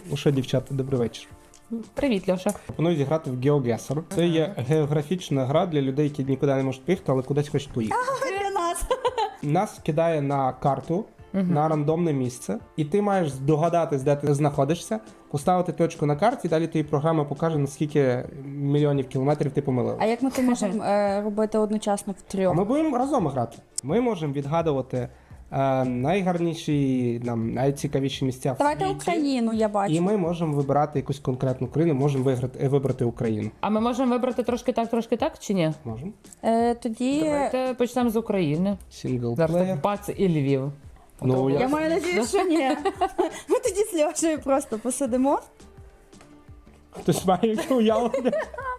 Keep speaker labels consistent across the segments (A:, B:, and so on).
A: Ну що, дівчата, добрий вечір.
B: Привіт, Льоша.
A: Пропоную зіграти в GeoGuessr. Це є географічна гра для людей, які нікуди не можуть поїхати, але кудись хочуть поїхати.
C: Для нас.
A: Нас кидає на карту, на рандомне місце, і ти маєш здогадатись, де ти знаходишся, поставити точку на карті, і далі тобі програма покаже, наскільки мільйонів кілометрів ти помилила.
C: А як ми то можемо робити одночасно в
A: А
C: трьох?
A: ми будемо разом грати. Ми можемо відгадувати найгарніші, найцікавіші місця в
C: Давайте
A: світі.
C: Україну, я бачу.
A: І ми можемо вибирати якусь конкретну країну, можемо вибрати Україну.
B: А ми можемо вибрати трошки так, чи ні?
A: Можемо.
C: Тоді
B: Давайте почнемо з України. Зараз
A: Сінглплеєр.
B: так бац і Львів.
A: Ну,
C: я маю надію, що ні. Ми тоді з Льошею просто посидимо.
A: Хтось має яке уявлення.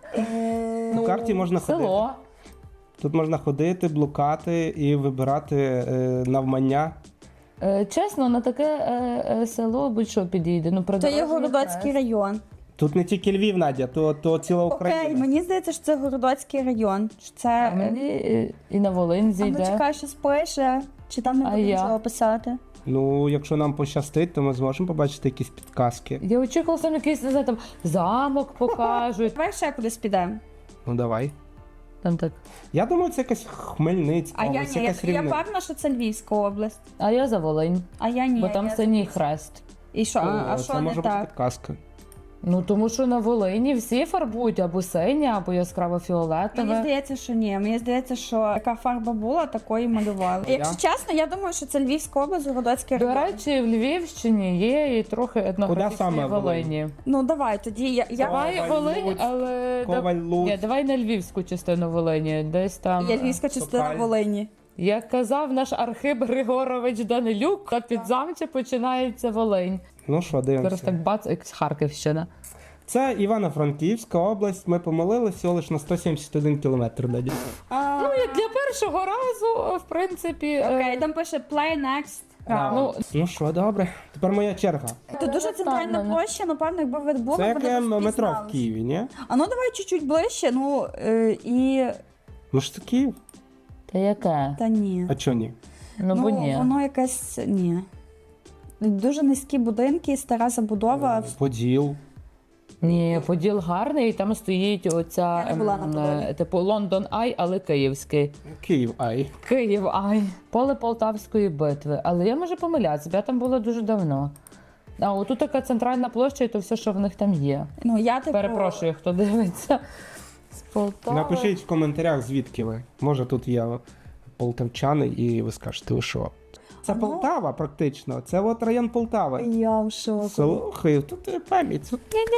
A: На карті можна ходити.
B: Село.
A: Тут можна ходити, блукати і вибирати навмання.
B: Чесно, на таке село будь-що підійде. Ну,
C: Це є
B: придорожній
C: Городоцький
B: хрест.
C: район.
A: Тут не тільки Львів, Надя, то ціла Україна.
C: Окей, мені здається, що це Городоцький район. Що
B: А
C: це...
B: мені і на Волинь
C: А ну
B: зійде.
C: чекай, що спише. Чи там не
B: А
C: буде
B: я?
C: нічого писати?
A: Ну, якщо нам пощастить, то ми зможемо побачити якісь підказки.
B: Я очікувала, там якийсь, не знаю, там замок покажуть.
C: Давай ще кудись підемо.
A: Ну, давай.
B: Там так.
A: Я думаю, це якась Хмельницька
C: А я
A: область,
C: ні,
A: якась
C: я
A: Рівне.
C: певна, що це Львівська область.
B: А я за Волинь.
C: А я ні.
B: Бо там
C: я...
B: синій хрест.
C: І що? А
A: Це
C: що не
A: може бути
C: так?
A: підказка.
B: Ну, тому що на Волині всі фарбують або синє, або яскраво
C: Мені
B: фіолетове.
C: здається, що ні. Мені здається, що яка фарба була, такої малювали. Якщо чесно, я думаю, що це Львівська область, Городоцький
B: До
C: район.
B: речі, в Львівщині є і трохи
A: саме
B: етнографічної
A: Волинь?
B: Волині.
C: Ну давай тоді. Я
B: Давай
A: Коваль,
B: Волинь,
A: Луцьк,
B: але
A: Коваль, Луцьк.
B: Ні, давай на львівську частину Волині. Десь там.
C: я львівська частина
A: Сокаль.
C: Волині.
B: Як казав наш Архип Григорович Данилюк, та під замче починається Волинь.
A: Ну що,
B: Зараз
A: дивимося.
B: так бац, як Харківщина.
A: Це Івано-Франківська область. Ми помилили всього лише на 171 кілометр. Надя.
B: Ну, як для першого разу, в принципі.
C: Окей, там пише play next.
B: Ну,
A: Ну що, добре. Тепер моя черга.
C: Тут дуже центральна
B: Там,
C: площа, напевно, якби ви були,
A: Це
C: ви
A: яке
C: б
A: метро в
C: впізнали.
A: Києві, ні?
C: А ну давай чуть-чуть ближче, ну і...
A: Ну ж це Київ.
B: та яке?
C: Та ні.
A: А чого ні?
B: Ну, бо ні.
C: Воно якесь... Ні. Дуже низькі будинки, стара забудова.
A: Поділ.
B: Ні, Поділ гарний, і там стоїть оця
C: Я не була на Подолі.
B: типу Лондон Ай, але київський.
A: Київ, ай.
B: Київ Ай. Поле Полтавської битви. Але я можу помилятися, бо я там була дуже давно. А отут така центральна площа, і то все, що в них там є.
C: Ну, я типу...
B: Перепрошую, хто дивиться. З Полтави.
A: Напишіть в коментарях, звідки ви. Може тут є полтавчани і ви скажете, ви що? Це
C: Ну.
A: Полтава практично. Це от район Полтави.
C: Я в шоку.
A: Слухай, тут пам'ять.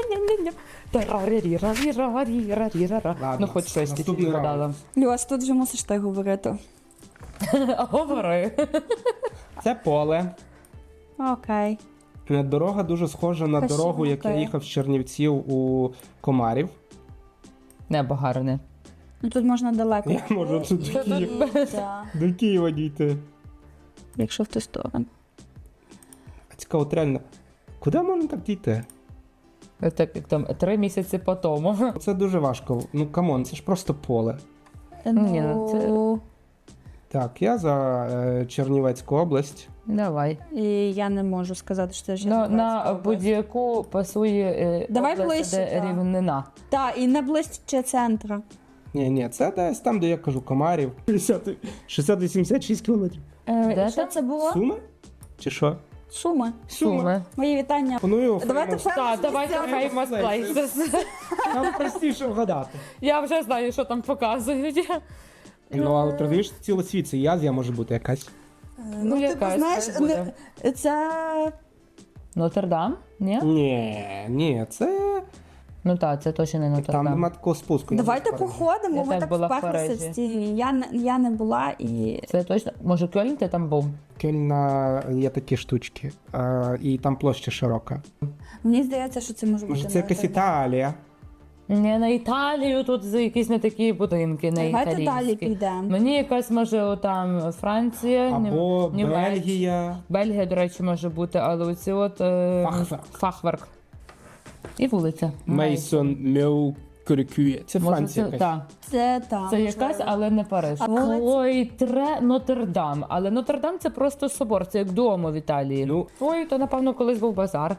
A: Ладно,
B: Ну, хоч щось
A: наступний
B: тільки
A: раунд.
B: згадала.
C: Люсь, тут вже мусиш ти говорити.
B: Говори.
A: Це поле.
C: Окей.
A: Дорога дуже схожа на
C: Красиво,
A: дорогу, як я
C: окей.
A: їхав з Чернівців у Комарів.
B: Небо гарне.
C: Ну тут можна далеко.
A: Я можу тут
C: Да.
A: до Києва дійти.
C: Якщо в ту сторону.
A: А цікаво, от реально, куди можна так дійти?
B: Так як там 3 місяці по тому.
A: Це дуже важко. Ну, камон, це ж просто поле.
B: Ні, ну, це-
A: Так, я за Чернівецьку область.
B: Давай.
C: І я не можу сказати, що це ж
B: На будь-яку пасує
C: Давай
B: область,
C: ближче,
B: де
C: так.
B: рівнина.
C: Так, і не ближче центра.
A: Ні, це десь там, де я кажу, Комарів. 686 кілометрів.
B: Де
C: Що
B: там?
C: це було?
A: Суми? Чи що?
C: Суми.
B: Суми.
C: Мої вітання.
A: Пропоную
C: Давайте
A: Famous.
B: Так, давайте
A: Famous
B: Famous Places.
A: Там простіше вгадати.
B: Я вже знаю, що там показують.
A: Ну, але ти розумієш, цілий світ, це і Азія може бути якась.
B: Ну, якась
C: знаєш,
B: хай буде.
C: це...
B: Нотр-Дам? Ні?
A: Ні, це
B: Ну так, це точно не
A: там
B: Нотр-Дам.
A: нема такого спуску.
C: Давайте походимо,
B: Я
C: ми
B: теж
C: так
B: була в
C: вперлися
B: Парижі.
C: в ці. Я не була і...
B: Це точно. Може, Кьольн ти там був?
A: Кельна є такі штучки, і там площа широка.
C: Мені здається, що це може бути...
A: Може, це якась Італія?
B: Не на Італію, тут якісь не такі будинки, не
C: Давайте далі
B: італійські.
C: підемо.
B: Мені якась може там Франція,
A: Або
B: Німеччина.
A: Бельгія.
B: Бельгія, до речі, може бути, але оці от
A: Фахверк.
B: Фахверк. І вулиця.
A: Мейсон Меу Кюрикює. Це
B: Може,
A: Франція
B: це,
A: якась.
B: так.
C: Це там.
B: Це якась, але не Париж.
C: А вулиця?
B: Клойтре Нотр-Дам. Але Нотр-Дам це просто собор, це як Дуомо в Італії.
A: Ну.
B: Ой, то напевно колись був базар.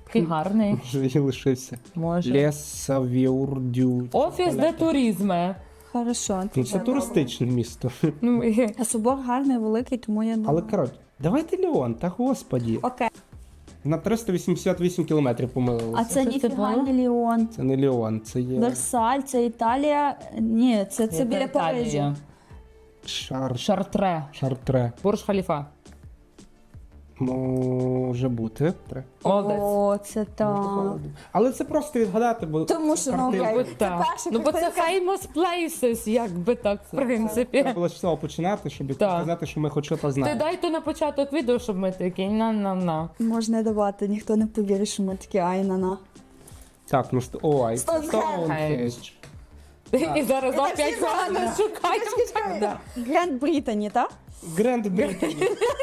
B: Такий гарний.
A: Може, і лишився.
B: Може.
A: Лесавіурдю.
B: Офіс де туризме.
C: Хорошо.
A: Ну, це туристичне місто.
B: Ну, і-
C: А собор гарний, великий, тому я думаю.
A: Але, коротше, давайте Леон, та господі.
C: Окей.
A: На 388 кілометрів
C: А
A: помилилися.
C: це
B: Що це
C: ніфіга
B: було?
C: не Ліон.
A: Це не Леон, це є
C: Версаль, це Італія. Ні, це біля
B: Італія.
C: Парижа.
B: Шартре.
A: Шартре.
B: Бурж Халіфа.
A: Може бути.
B: Молодець.
C: О, це так.
A: Але це просто відгадати, бо
C: Тому
A: це
C: що, ну,
A: картинка.
C: окей.
B: Бо так.
C: перша
B: Ну, бо це
C: картинка.
B: famous places, якби так, в принципі.
A: Треба було з цього починати, щоб
B: Так.
A: сказати, що ми хоч щось
B: Ти
A: знаємо.
B: дай то на початок відео, щоб ми такі на.
C: Можна давати, ніхто не повірить, що ми такі ай-на-на.
A: Так, ну ой,
C: Стоунхендж.
B: І зараз
C: І так
B: опять
C: всі
B: погано
C: знають.
B: шукаємо.
C: Гранд Британі, так?
A: Гренд Британі.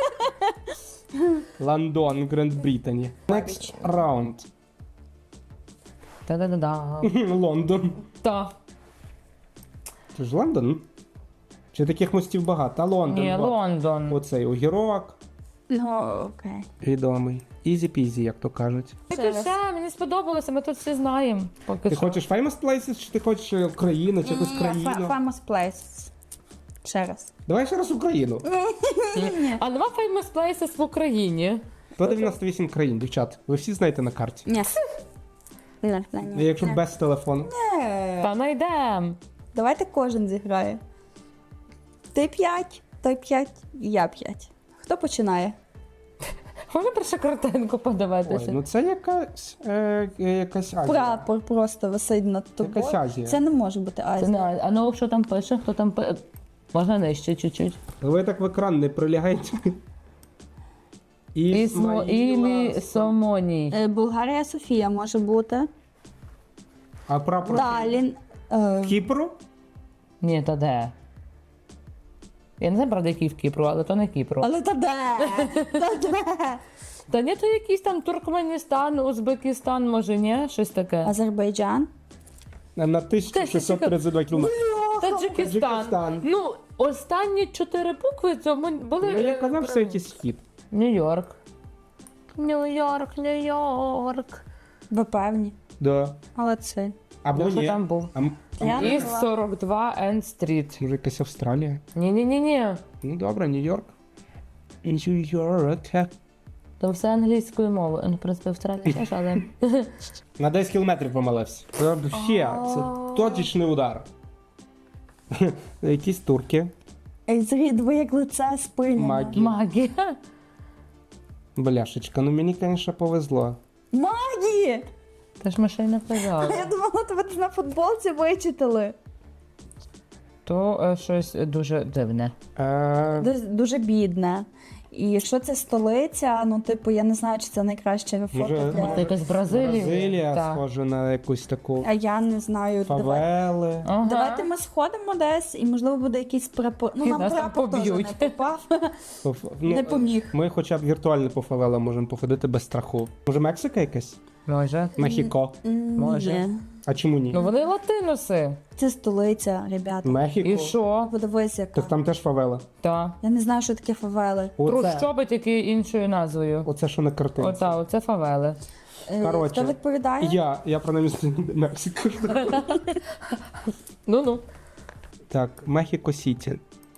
A: Лондон, Гренд Британі. Next round.
B: Та-да-да-да.
A: Лондон.
B: Та.
A: Це ж Лондон? Чи таких мостів багато? А Лондон.
B: Ні,
A: от.
B: Лондон.
A: Оцей огірок.
C: Ну, окей.
A: Відомий. Ізі-пізі, як то кажуть.
B: Ти все, мені сподобалося, ми тут всі знаємо. Поки
A: Ти
B: що.
A: хочеш famous places, чи ти хочеш Україну, чи якусь країну?
C: Famous place. Ще раз.
A: Давай ще раз Україну.
B: А нема famous places в Україні.
A: 198 країн, дівчат. Ви всі знаєте на карті.
C: Ні.
A: Якщо без телефону.
B: Та найдем.
C: Давайте кожен зіграє. Ти 5, той 5, я 5. Хто починає?
B: Можна першу картинку
A: Ой,
B: подивитися?
A: ну це якась Азія.
C: Прапор просто висить над тобою.
A: Якась Азія.
C: Це не може бути
B: Це
C: Азія.
B: не, а ну що там пише? Хто там пише? Можна нижче чуть-чуть.
A: Ви так в екран не прилягайте.
B: Ілі Сомоній.
C: Болгарія Софія може бути.
A: А прапор
C: Далі.
A: Кіпру?
B: Ні, то де? Я не знаю, правда, який в Кіпру, але то не Кіпру.
C: Але та де? Та де?
B: Та ні, то якийсь там Туркменістан, Узбекистан, може, ні? Щось таке.
C: Азербайджан.
A: На 1632 кілометри.
B: Таджикистан.
A: Таджикистан.
B: Ну, останні 4 букви цьому були.
A: Ну, я казав, що якийсь схід.
B: Нью-Йорк. Нью-Йорк, Нью-Йорк.
C: Ви певні.
A: Да.
C: Але це.
A: Або
B: Що
A: ні.
B: там був?
C: Я не
B: Іст 42 End Street.
A: Може якась Австралія?
B: Ні-ні-ні-ні.
A: Ну добре, Нью-Йорк. Нью-Йорк.
B: То все англійською мовою. Ну, в принципі, Австралія теж, але...
A: На 10 кілометрів помилився. Це ще, це точечний удар. Якісь турки.
C: Ви як лице спиляне.
A: Магі.
B: Магія.
A: Бляшечка, ну мені, звісно, повезло.
C: Магі!
B: Та ж ми ще й не
C: А
B: казали.
C: я думала, тебе на футболці вичитали.
B: То щось дуже дивне.
C: Дуже бідне. І якщо це столиця, ну, типу, я не знаю, чи це найкраще фото
A: Може,
B: Це
C: для...
B: якась Бразилія.
A: Бразилія
B: Так.
A: схожа на якусь таку
C: А я не знаю.
A: фавели.
B: Ага.
C: Давайте ми сходимо десь, і можливо буде якийсь прапор. Ну,
B: І
C: нам
B: нас там
C: прапор теж
B: поб'ють.
C: не попав.
A: Ну,
C: Не поміг.
A: Ми хоча б віртуально по фавелам можемо походити без страху. Може Мексика якась?
B: Може.
A: Мехіко.
B: Може.
C: Ні.
A: А чому ні?
B: Ну вони латиноси.
C: Це столиця, ребята.
A: Мехіко.
B: І що?
C: Подивись, яка.
A: Так там теж фавела.
B: Та.
C: Я не знаю, що таке фавели.
A: Оце,
B: Трущоби тільки іншою назвою.
A: оце що на картинці.
B: Ота, оце фавели.
A: Коротше,
C: Хто відповідає?
A: Я принаймні Мексику.
B: Ну-ну.
A: Так, Мехіко Сіті.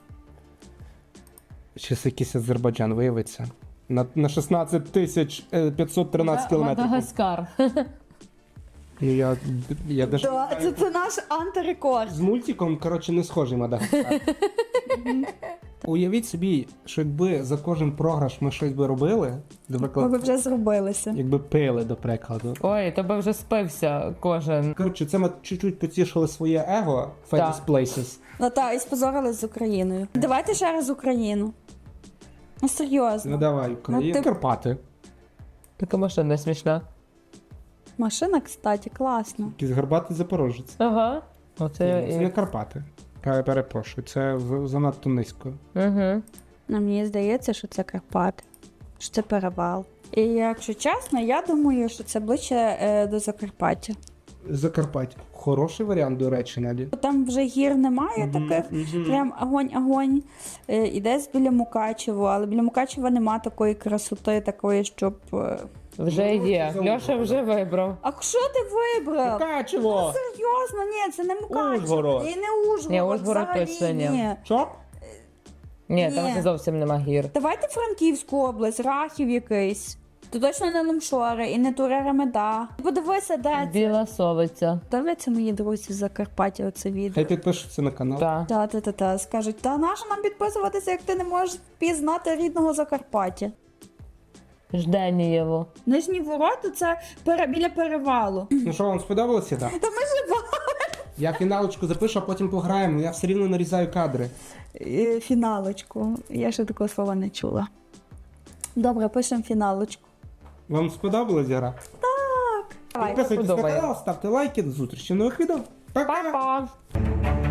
A: Щось якийсь Азербайджан виявиться. На 16 тисяч 513 кілометрів.
B: Мадагаскар.
A: Ну, я даже
C: Да, це наш антирекорд.
A: з мультиком, коротше, не схожий Мадагаскар. Уявіть собі, що якби за кожен програш ми щось би робили,
C: Ми
A: наприклад,
C: б вже зробилися.
A: якби пили, до прикладу.
B: Ой, тебе вже спився кожен.
A: Коротше, це ми чуть-чуть потішили своє его, Famous
B: Так.
A: Places.
C: Ну так, і спозорились з Україною. Давайте ще раз Україну. Ну
A: Ну
C: серйозно.
A: давай, Україна.
C: Ну, ти-
A: Карпати.
B: Така машина смішна.
C: Машина, кстати, класна.
A: Якийсь гарбатий запорожець.
B: Ага. Оце
A: Це не Карпати. Я перепрошую, це занадто низько.
B: Угу.
C: Ну, мені здається, що це Карпати, що це перевал. І якщо чесно, я думаю, що це ближче до Закарпаття.
A: Закарпаття. Хороший варіант, до речі, Наді.
C: Там вже гір немає таких, прям огонь. Ідеш біля Мукачево, але біля Мукачева нема такої красоти, такої, щоб...
B: Вже є. Льоша вже вибрав.
C: А що ти вибрав?
A: Мукачево!
C: Серйозно, ні, це не Мукачево.
A: Ужгород.
C: І не Ужгород,
B: Ні, Ужгород
C: взагалі
B: точно ні.
C: ні.
A: Що?
B: Ні, там
C: Ні.
B: вже зовсім нема гір.
C: Давайте Франківську область, Рахів якийсь. То точно не Лумшори і не Туреремеда. Подивися, де це.
B: Біла Совиця.
C: Дивляться мої друзі з Закарпаття оце відео.
A: Хай підпишуться на канал.
B: Так.
C: Та. Скажуть, та нащо нам підписуватися, як ти не можеш впізнати рідного Закарпаття?
B: Жденієво.
C: Нижні ворота це біля перевалу.
A: Ну що, вам сподобалося, так?
C: Та ми ж
A: Я фіналочку запишу, а потім пограємо. Я все рівно нарізаю кадри.
C: фіналочку. Я ще такого слова не чула. Добре, пишемо фіналочку.
A: Вам сподобалась гра?
C: Давай.
A: Підписуйтесь на
B: Подобає.
A: канал, ставте лайки. До зустрічі в нових відео. Пока!
B: Па-па!